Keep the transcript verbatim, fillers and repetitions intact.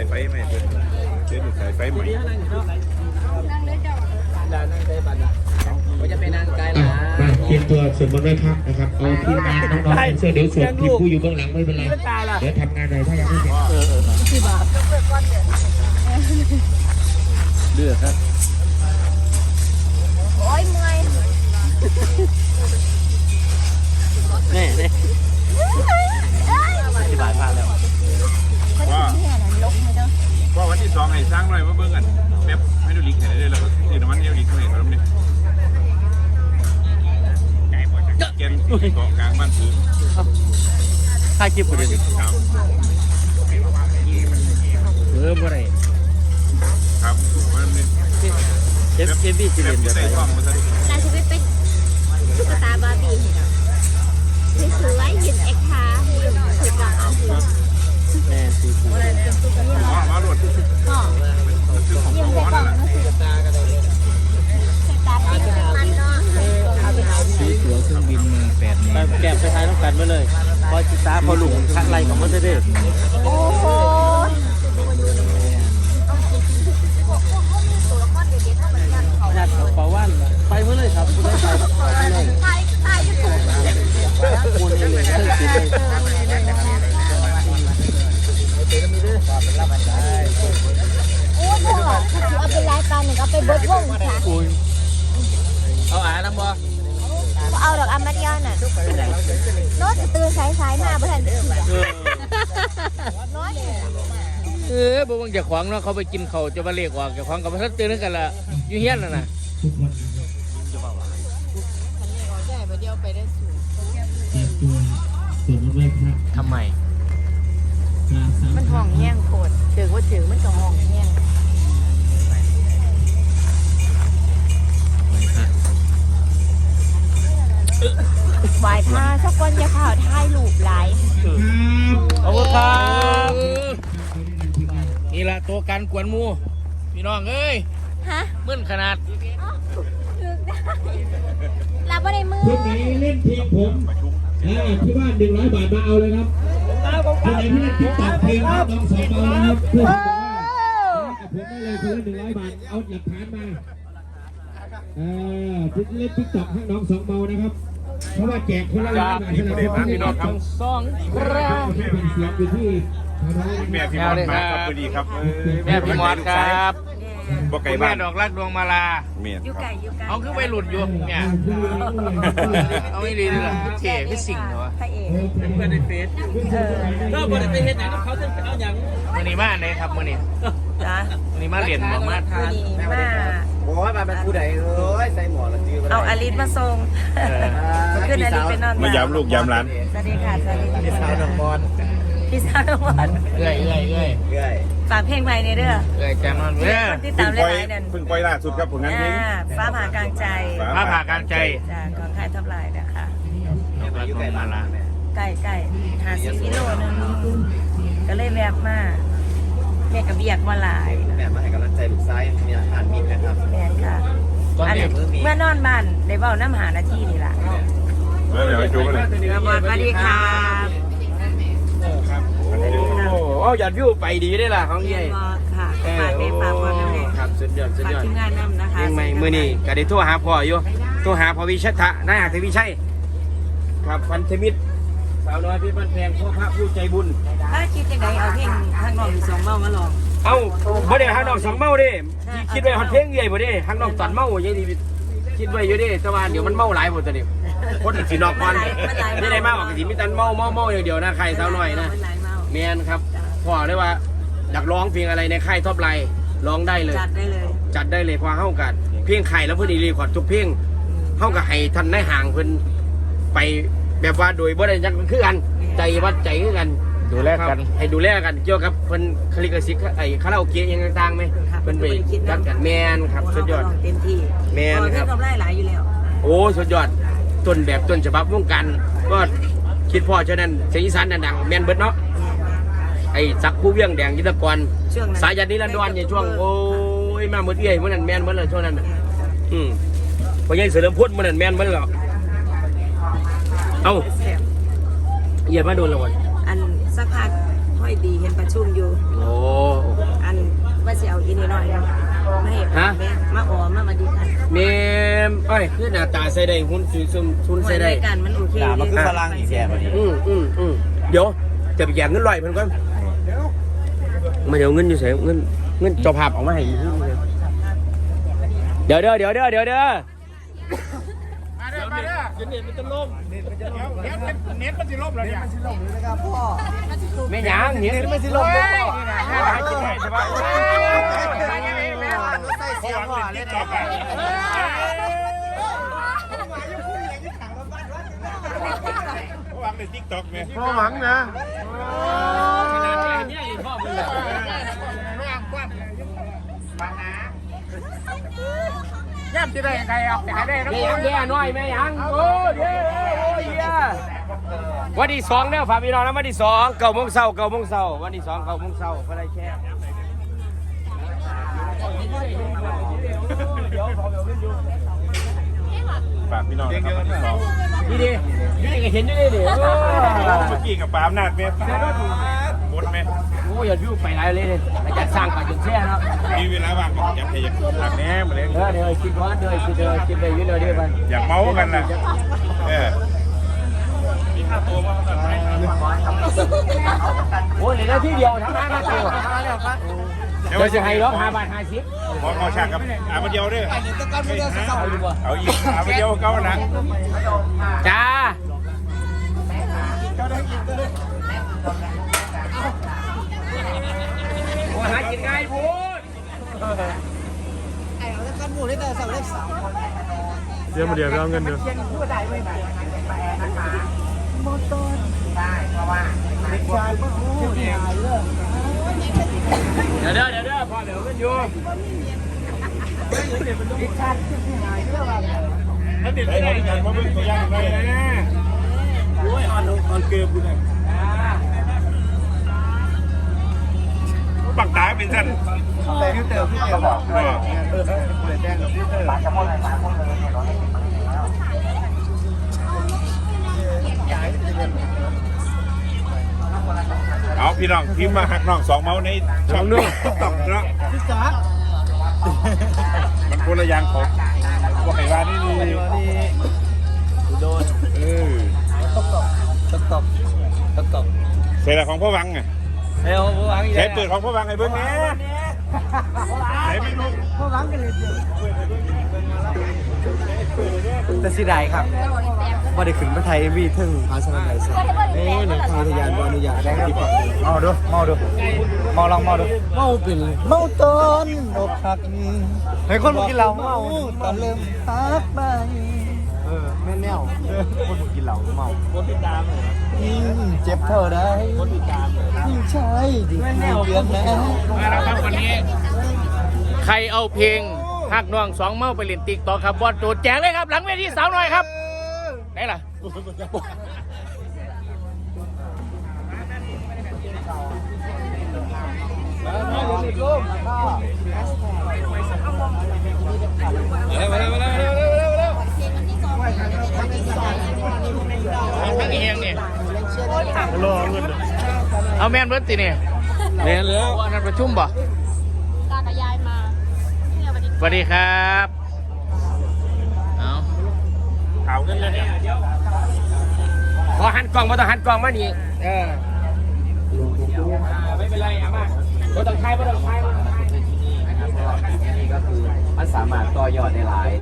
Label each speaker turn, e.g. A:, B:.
A: ไฟไหมเพื่อนเชื่อสายไฟไหม
B: ก็จะเป็นนางไกลละ
C: มาเตรียมตัวสวดมนต์ไหว้พระนะครับเอาทีมงานน้องๆเสื้อเดี๋ยวสวดทีมผู้อยู่เบื้องหลังไม่เป็นไรเดี๋ยวทำงานเลยถ้ายังไม่เสร็จ
B: เลือดครับ
D: โอ้ยเมื่อย
B: แน่แน่อธิบายพลาดแล้ว
A: ว่าว่าวันที่สองให้สร้างหน่อยว่าเบิ่งกันแป๊บให้ดูลิงก์ให้ได้เลยแล้วก็ที่น้ำมันเอวลิงก์ให้เขาทำเนี่ยไก่บ่จะเกณฑ์เกาะกลางบ้านถือ
B: ถ่ายคลิปกันเลยเออบ่ได้
A: ครับมันนี่
B: เอฟเอฟบีสิเล่นแบบไหน
D: นายชีวิตเป็นตุ๊กตาบาร์บี้ที่สวยยืนเอ็กซ์ค่ะยืนสุดหล่อ
B: แม่ตีคู
A: มามาหลวด
D: ก็ยืนไปก่อนนะสิตาเป็นมันเนาะ
B: ซื้อตั๋วเครื่องบินมาแปดเมตรแกะไปท้ายต้องกันไว้เลยพอจิตาพอหลุมคัดไรของมันจะได้
D: โอ้โห
B: ญาติเป่าว่านไปเมื่อเลยครับคุณได้ไปเลย
D: ตายตายจะถูก
B: คนเลยเลยติดเลย
D: โอ้โหเอาไปไล่ปลาหนึ่งเอาไปเบิร์ดวงค่ะ
B: เอาอ่านน้ำบ่
D: เอาดอกอามาเดียน่ะโน้ตตื่นสายสายมาเพื่อนโน้ต
B: เออบ่ว่าจะขวางเนาะเขาไปกินเขาจะมาเรียกว่าจะขวางกับพระทัดเตือนกันละอยู่เฮี้ยนน่ะนะทำไม
D: มันห้องแย่งโคตรถือว่าถือมันจะห้องแย่งไหวท่าสักคนจะข่าวท้ายลูบไหล
B: ขอบคุณครับนี่แหละตัวการกวนมูพี่น้องเอ้ย
D: ฮะ
B: มึนขนาด
D: เราไม่ได้มือ
C: คนไหนเล่นทีมผมที่บ้านหนึ่งร้อยบาทมาเอาเลยครับคนไหนที่เล่นติ๊กต็อกเพลงน้องสองเอานะครับเพื่อนบอกว่าผมได้เลยคนละหนึ่งร้อยบาทเอาหลักฐานมาเออที่เล่นติ๊กต็อกให้น้องสองเมานะครับเพราะว่าแจกคนละร้อยบาทให้เราพี่น้องครับ
B: สองครับ
C: เป็นเสียงอยู่ที่
A: แม่พี่มอดมาครับพอดีครับ
B: แม่พี่มอดครับ
A: บ่ไก่บ้าน
B: แม่ดอกรักดวงมาลา
A: เมีย
D: อยู่ไก่อยู่ไก่
B: เอาคือไปหลุดอยู่เนี่ยเอาไม่ดีเลยล่ะเท่คือสิ่งเหรอ
D: พระเอก
B: เพื่อนในเฟซก็บริเวณเห็นอย่างเขาจะเอาอย่างมือนี้มาเลยครับมือนี้
D: จ้า
B: มือนี้มาเรียนบอกมา
D: มือนี้มา
B: บอกว่ามาเป็นผู้ใดเอ้ยใส่หมวกแล้วจื้อ
D: เอาอลิสมาส่งขึ้นอลิสเป็นนอน
A: มายามลูกยามร้าน
D: สวัสดีค่ะสวัสดี
B: พี่สาวน้องบอล
D: พี่สาวน้องบอล
B: เอ้ยเอ้ยเอ้ยเอ้ย
D: ฝากเพลงใหม่ในเด้อ
B: เอ้ยจำมันเว้ย
D: ที่ตามเล่นไลน์นั่น
A: เพิ่งปล่อยล่าสุดครับผลงานเพลง
D: ฟ้าผ่ากลางใจ
B: ฟ้าผ่ากลางใจ
D: จากกองค่ายทับลายนะคะ
B: อยู่ไก่มาละ
D: ไก่ไก่หาสิบกิโลนึงก็เลยแวบมาแม่กับเบียกมาหลาย
B: แม่มาให้กำลังใจลูกชายมีอาหารมิตรนะครับ
D: แม่ค่ะอันนี้เมื่อนอนบ้านได้เบ้าน้ำหาหน้าที่นี่แหละ
A: เดี๋ยวไปดูกันเลย
D: สวัสดีค่ะ
B: โอ้ยอดวิวไปดีได้ล่ะของยัย
D: ค่ะฝากเด็กฝากพ่อแม่
B: ครับสุดยอดสุดยอด
D: ทีมงานนำนะคะ
B: ยังไงมือนี่ก็ได้โทรหาพ่ออยู่โทรหาพ่อวิชัทะนายหักทวีชัยครับพันธมิตรสาวน้อยพี่บ้านแพงพ่อพระผู้ใจบุญ
D: ถ้าคิดยังไงเอาเพลงทางนอกอยู่สองเมามาลอง
B: เอ้าบ่ได้ทางนอกสองเมาดิคิดไว้ฮอดเพลงใหญ่บ่ได้ทางนอกตัดเมาอย่างนี้คิดไว้อยู่ดิแต่ว่าเดี๋ยวมันเมาหลายหมดตอนนี้คนสินอกก่อนไม่ได้เมาออกสิมีแต่เมาเมาเมาอย่างเดียวนะใครสาวน้อยนะแมนครับพ่อได้ว่าอยากร้องเพลงอะไรในค่ายท็อปไลน์ร้องได้เลย
D: จัดได้เลย
B: จัดได้เลยพอเข้ากันเพลงไข่แล้วเพื่อนรีคอร์ดทุกเพลงเข้ากับให้ท่านได้ห่างเพื่อนไปแบบว่าโดยบ่ได้ยักคือกันใจวัดใจคือกัน
A: ดูแลกัน
B: ให้ดูแลกันเกี่ยวกับเพื่อนคลิกสิกไอ้คาราโอเกะยังต่างๆไหมเพื่อนไปจัดกันแมนครับสุดยอด
D: เต็มที่
B: แมนครับ
D: ทำได้หลายอยู่แล้ว
B: โอ้สุดยอดต้นแบบต้นฉบับวงการก็คิดพ่อเช่นนั้นเสียงอีสานดังๆแมนเบิดเนาะไอ้สักผู้เวียงแดงยุทธกรสายยันนิรันดรในช่วงโอ้ยมาหมดเอี้ยเมื่อนั้นแมนเมื่อนั้นช่วงนั้นอืมพอยังเสริมพุทธเมื่อนั้นแมนเมื่อหรอกเอ้าเอี้ยมาโดนแล้ววัน
D: อันสักพักค่อยดีเห็นประชุมอยู่
B: โอ้มเอ้ยคือหน้าตาใส่ได้หุ่นสวยซุ่มซุนใส่ได้
E: กันมันโอเค
F: ด่ามันคือฝรั่งอีกแย่พอดี
B: อืมอืมอืมเดี๋ยวจะไปแย่งเงินลอยเพิ่นก่อนมาเดี๋ยวเงินอยู่ไสเงินเงินเจ้าภาพเอามาให้อีกเดี๋ยวเด้อเดี๋ยวเด้อเดี๋ยวเด้อ
A: มาเด้อมาเด้อเน็ตมันจะล่มเน็ตมันจะล่มเดี๋ยวเน็ตมันจะล่มแล้วเนี่ย
B: ไม่หยังเห็นไม่สิลง
A: โอ้
B: บ่
A: ยนี่นะหากินได้ใช่ปะใส่เสียงพ่อเล่นต่อไปหวังในทิกตอกไหมพ่อหวังนะย่ำจะได้ยังไงอ่ะหาได้แล้ว
B: แม่ยังแย่หน่อยแม่ยังโอ้ยเย้โอ้ยเย้วันที่สองเด้อฝากพี่น้องนะวันที่สองเก้าโมงเช้าเก้าโมงเช้าวันที่สองเก้าโมงเช้าก็ได้แค่
A: ฝากพี่น้องนะครับวันที่สอง
B: นี่ดินี่ดิก็เห็นอยู่นี่ดิ
A: เมื่อกี้กับปามนาดเมตตาหมดไหม
B: โอ้ยอย่าพิ้วไปไรเลยเลยอาจารย์สร้างป่าจนแช่เนาะ
A: มีเวลาว่างอยากให้อยากหลักแหน่มาเลย
B: เออเดี๋ยวคิดว่าเดี๋ยวคิดเดี๋ยวคิดไปยืนเดี๋ยวเดี๋ยวไป
A: อยากเมากันนะเออ
B: โอ้ยเหลือที่เดียวทั้งนั้นนะเดียวเดี๋ยวจะให้ร้องห้าบาทห้าสิบ
A: ขอขอฉากกับอามาเดียวด้วยเอาอีกอามาเดียวเก้านะ
B: จ้าโอ้ยหากินง่ายพูด
A: เดี๋ยวมาเดี๋ยวเอาเงินเดี๋ยว
B: เดี๋ยวเดี๋ยวเดี๋ยวเดี๋ยวพอเดี๋ยวกันอยู่
A: ถ้าเด็ดได้ไหนมาเบิ่งตัวอย่างได้นะโอ้ยออนออนเกมกูเนี่ยปักตาเป็นสั้นฟิวเตอร์ฟิวเตอร์บอกเออเออเลยแจ้งฟิวเตอร์ปากจะหมดเลยปากหมดเลยเนี่ยเราได้ปักเอาพี่น้องพิมพ์มาหักน้องสองเมาส์ในช่องนึงติ๊กต็อกเนาะมันคนละอย่างของว่าไงว่านี่นี่โดนเออ
F: ตกตกตกตกตกตก
A: ใส่ละของพ่อวังไง
F: เฮ้ยพ่อวังอีก
A: ใช้
F: แล้ว
A: เปิดของพ่อวังไงเบิ้งแน่ไหนไม่รู้
F: พ่อวังกันเลยแต่สิได้ครับว่าได้ขึ้นมาไทยวีถึงพาสนาไหนสิโอ้ยหนังพาทยานบอนุญาตได้ดีกว่าเมาดูเมาดูเมาลองเมาดูเมาเป็นเลยเมาตอนอกหักนี่เฮ้ยคนกินเหล้าเมาตอนเริ่มฮักไปเออแม่แนวคนกินเหล้าเมาคนติดตามเลยเจ็บเท่าไรคนติดตามยิ่งใช่ยิ่งเลี้ยงนะ
G: มาแล้วครับวันนี้ใครเอาเพลงหักน้องสองเมาไปเล่นติ๊กต่อครับบอลโจแจกเลยครับหลังเวทีสาวหน่อยครับไหนล่ะทั้งเองเนี่ยเอาแมนเบิร์ตตีเนี่ยแมนแล้วอันนั้นประชุมบ่
D: ตากับยายมาเนี่ยวันนี้
G: สวัสดีครับเอา
A: ข่าวกันเลยเนี่ย
B: ขอหันกล่องมาต้องหันกล่องมานี่เออไม่เป็นไรอ่ะมาไม่ต้องใช้ไม่ต้องใช้
F: นี่ก็คือมันสามารถต่อยอดได้หลาย